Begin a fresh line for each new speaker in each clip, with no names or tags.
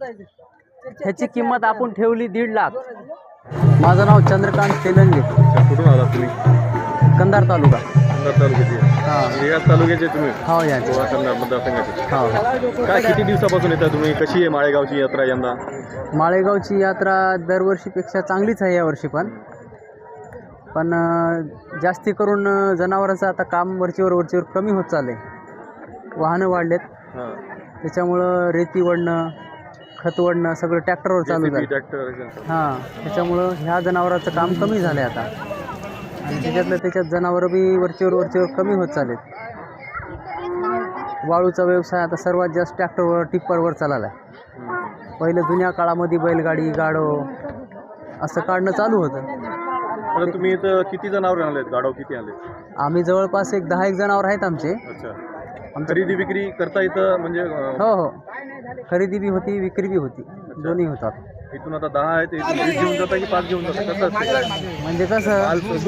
ह्याची किंमत आपण ठेवली 1.5 लाख. माझं नाव चंद्रकांत तेलंगे,
कुठून आला तुम्ही?
कंधार तालुका.
कंधार तालुक्याचे.
हां
याच तालुक्याचे तुम्ही?
हो या
गोवा कंधार मतदारसंघाचे.
हो.
काय किती दिवसापासून येता तुम्ही? कशी आहे माळेगावची यात्रा यंदा?
माळेगावची यात्रा दरवर्षीपेक्षा चांगलीच आहे यावर्षी पण जास्ती करून जनावरांचं आता काम वरचीवर कमी होत चालले. वाहनं वाढलेत,
हां.
त्याच्यामुळं रेती वडणं, खत वडणं सगळं ट्रॅक्टरवर चालू झालं.
ट्रॅक्टर.
हां, त्याच्यामुळं ह्या जनावरांचं काम कमी झालं आहे आता, आणि त्याच्यात जनावरं बी वरचीवर कमी होत चालेत. वाळूचा व्यवसाय आता सर्वात जास्त ट्रॅक्टरवर टिप्परवर चालला आहे. पहिलं जुन्या काळामध्ये बैलगाडी गाडो असं काढणं चालू होतं.
आता तुम्ही इथं किती जनावर आणलेत? गाडव किती आले?
आम्ही जवळपास 10 जनावर आहेत आमचे.
अच्छा. खरेदी विक्री करता इथं म्हणजे
हो, खरेदी बी होती, विक्री बी होती, दोन्ही होतात.
इथून आता 10 आहेत, इथून 20 घेऊन जाता की 5 घेऊन जाता? कसं असते?
म्हणजे कसं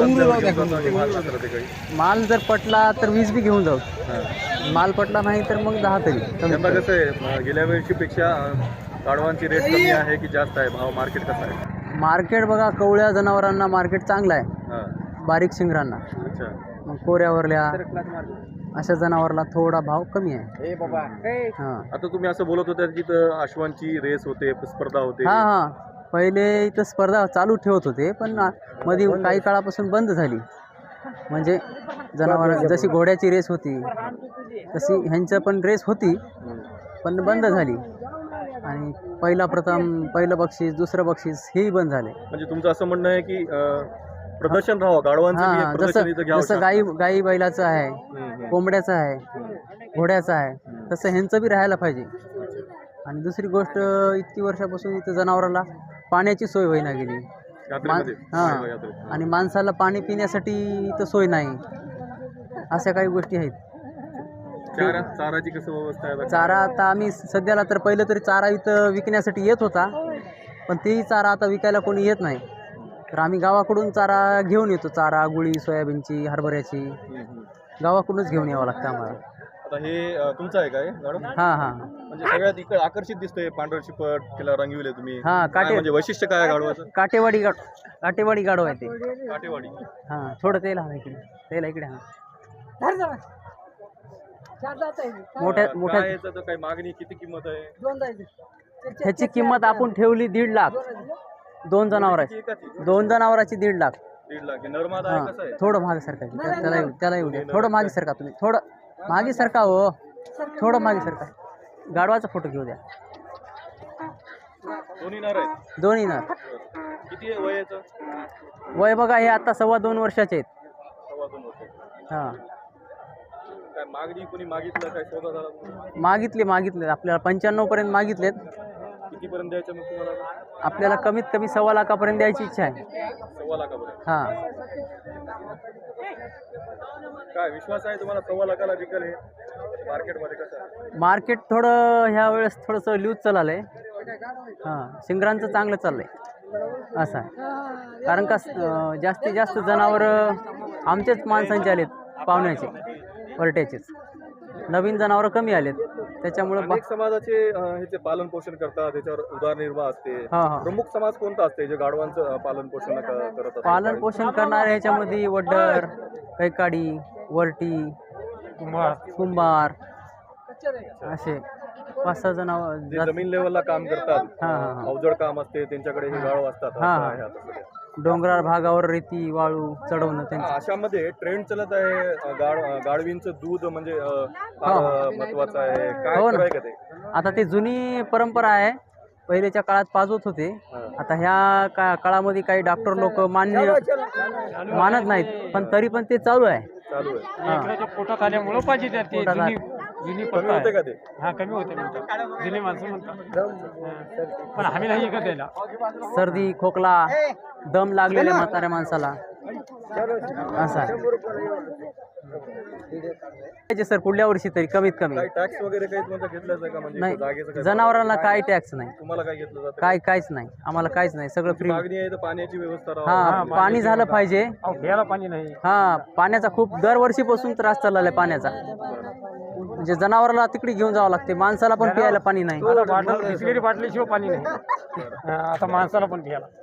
माल जर पटला तर 20 बी घेऊन जाऊ, माल पटला नाही तर मग 10 तरी.
यंदा कसं आहे, गेल्या वर्षीपेक्षा गाढवांची रेट कमी आहे की जास्त आहे? भाव मार्केट कसं आहे?
मार्केट बघा, कवळ्या जनावरांना मार्केट चांगलं आहे,
हां.
बारीक शिंगरांना.
अच्छा.
मग कोऱ्यावरल्या अशा जनावराला थोडा भाव कमी आहे. हां
आता तुम्ही असं बोलत होता की इथं अश्वांची रेस होते, स्पर्धा होते.
हां पहिले इथं स्पर्धा चालू ठेवत होते, पण मध्ये काही काळापासून बंद झाली. म्हणजे जनावर जशी घोड्याची रेस होती तशी ह्यांचं पण रेस होती, पण बंद झाली. आणि पहिलं बक्षीस, दुसरं बक्षीस हेही बंद झाले.
म्हणजे तुमचं असं म्हणणं आहे की प्रदर्शन राहावं गाढवांचं,
हां,
प्रदर्शन इथं घ्यावं.
जसं गाई बैलाचं आहे, कोंबड्याचं आहे, घोड्याचं आहे, तसं ह्यांचं बी राहायला पाहिजे. आणि दुसरी गोष्ट, इतकी वर्षापासून इथं जनावराला पाण्याची सोय होईना गेली.
यात्रेमध्ये.
हां, आणि माणसाला पाणी पिण्यासाठी इथं सोय नाही. अशा काही गोष्टी आहेत.
चाराची कसं व्यवस्था आहे?
चारा आता आम्ही सध्याला तर पहिलं तरी चारा इथं विकण्यासाठी येत होता, पण तेही चारा आता विकायला कोणी येत नाही. तर आम्ही गावाकडून चारा घेऊन येतो. चारा, गुळी, सोयाबीनची, हरभऱ्याची गावाकडूनच घेऊन यावं लागतं आम्हाला.
आता हे तुमचं आहे काय गाढव?
हां.
म्हणजे सगळ्यात इकडे आकर्षित दिसतोय, पांढर शिपट, त्याला रंगविले तुम्ही.
हां,
काय म्हणजे वैशिष्ट्य काय आहे गाढवाचं?
काटेवाडी गाडो आहे ते.
काटेवाडी.
हां, थोडं तेल हा इकडे हां. मोठ्या
काय याचं तर काही मागणी, किती किंमत आहे?
ह्याची किंमत आपण ठेवली 1.5 लाख. 2 जनावराची 1.5 लाख.
1.5 लाख. नरमादा आहे, कसं आहे?
थोडं मागे सरका, त्याला येऊ द्या. थोडं मागे सरका, तुम्ही थोडं मागे सरका. हो, थोडं मागे सरका. गाढवाचा फोटो घेऊ द्या.
दोन्ही नर आहेत?
दोन्ही नर.
किती आहे वय याचं?
वय बघा, हे आता 2.25 वर्षाचे आहेत.
2.25 वर्ष.
हां.
काय मागणी कोणी मागितलं, काय सौदा झाला?
मागितले आपल्याला 95 पर्यंत मागितलेत.
कितीपर्यंत द्यायचं मग तुम्हाला?
आपल्याला कमीत कमी 1.25 लाखापर्यंत द्यायची इच्छा आहे.
1.25 लाखापर्यंत?
हां.
काय विश्वास आहे तुम्हाला 1.25 लाखाला विकल हे मार्केटमध्ये? कसं आहे
मार्केट? थोडं ह्या वेळेस थोडंसं लूज चाललंय. हां, शिंगरांचं चांगलं चाललंय असं आहे. कारण का जास्तीत जास्त जनावरं आमचेच माणसांचे आलेत, पाहुण्याचे, वरट्याचेच. नवीन जनावरं कमी आलेत, त्याच्यामुळं
अनेक समाजाचे ह्याचे पालन पोषण करतात, त्याच्यावर उदरनिर्वाह असते.
हां.
प्रमुख समाज कोणता असते जे गाढवांचं पालन पोषण करत असते?
पालन पोषण करणारे ह्याच्यामध्ये वड्डर, कैकाडी, वरटी, कुंभार असे 5-6 जनावर.
जे जमीन लेवलला काम करतात,
हां.
अवजड काम असते, त्यांच्याकडे हे गाढव असतात.
हां.
असं आहे आता सध्या.
डोंगराळ भागावर रेती वाळू चढवणं त्यांचं.
अशामध्ये ट्रेंड चालत आहे गाढवींचं दूध म्हणजे फार महत्वाचं आहे. काय
हो ना.
खरं आहे का ते?
आता ते जुनी परंपरा आहे, पहिल्याच्या काळात पाजवत होते. आता ह्या काळामध्ये काही डॉक्टर लोक मानत नाहीत, पण तरी पण ते चालू आहे.
पोटात आल्यामुळं पाहिजे त्यात ते जुनी
कमी होते का ते?
हा, कमी होते म्हणतात जुने माणसं म्हणतात, पण आम्ही नाही ऐकत यायला.
सर्दी, खोकला, दम लागलेल्या म्हाताऱ्या माणसाला असं आहे. सर पुढल्या वर्षी तरी कमीत कमी.
काही टॅक्स वगैरे काही तुम्हाला घेतलं जातं का? म्हणजे
नाही,
जागेचं काही
जनावरांना काही टॅक्स नाही.
तुम्हाला काय घेतलं जातं?
काहीच नाही, आम्हाला काहीच नाही, सगळं फ्री.
मागणी आहे तर पाण्याची व्यवस्था राहावी.
हां, पाणी झालं पाहिजे.
प्यायला पाणी नाही.
हां, पाण्याचा खूप दरवर्षीपासून त्रास चालला आहे पाण्याचा. म्हणजे जनावराला तिकडे घेऊन जावं लागते, माणसाला पण प्यायला पाणी नाही.
आता बिसलेरी बाटलीशिवाय पाणी नाही. आता माणसाला पण प्यायला